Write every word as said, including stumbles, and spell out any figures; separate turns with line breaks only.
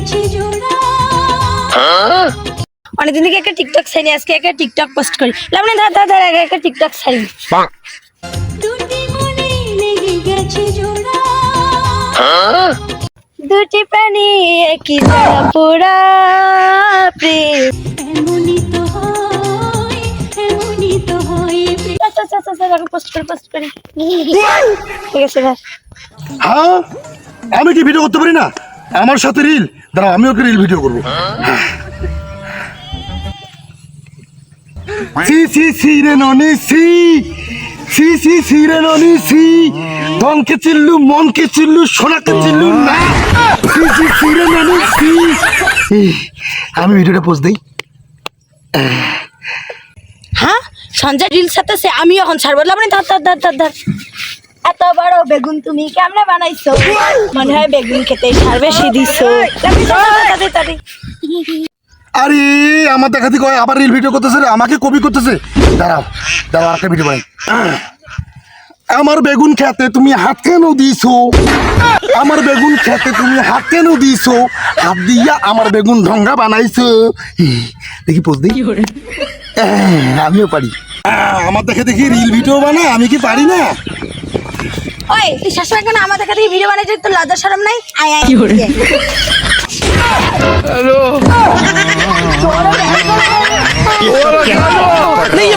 অনেকদিন থেকে একটা টিকটক ছাড়ি, আজকে একটা টিকটক পোস্ট করি। লাবণী ধর ধর ধর একটা টিকটক ছাড়ি। দুটি প্রাণী একই জায়গা পোড়া প্রেম এমনই তো হয়, এমনই তো হয়। আচ্ছা আচ্ছা আচ্ছা আমি পোস্ট করি পোস্ট করি ঠিক আছে ভাই।
হ্যাঁ আমি কি ভিডিও করতে পারি না? আমার সাথে রিল, দাঁড়াও আমি ওকে রিল ভিডিও করবো। সি সি সি রে ননি সি সি সি সি রে ননি সি ধনকে চিল্লু মনকে চিল্লু সোনাকে চিল্লু না সি সি সি রে ননি সি। আমি ভিডিওটা পোস্ট দেই।
হ্যাঁ সঞ্জয় রিল সাথে আমি এখন ছাড়বো। লাবণী ধর ধর ধর ধর ধর। এত বড় বেগুন তুমি কেমনে বানাইছো? মনে হয় বেগুন খেতে সার বেশি দিছো।
আরে আমার দেখাতে কয় আবার রিল ভিডিও করতেছে রে, আমাকে কপি করতেছে। দাঁড়াও দাঁড়াও একটা ভিডিও বানাই। আমার বেগুন খেতে তুমি হাত কেন দিছো? আমার বেগুন খেতে তুমি হাত কেন দিছো? হাত দিয়া আমার বেগুন ঢঙ্গা বানাইছো। দেখি পোজ দেখি আমিও পারি। আমার দেখে দেখি রিল ভিডিও বানা, আমি কি পারি না?
ওই তুই শাশুড়ি কেন আমার দেখা থেকে ভিডিও বানাইছিস? তোর লজ্জা শরম নাই? আয় আয়
হ্যালো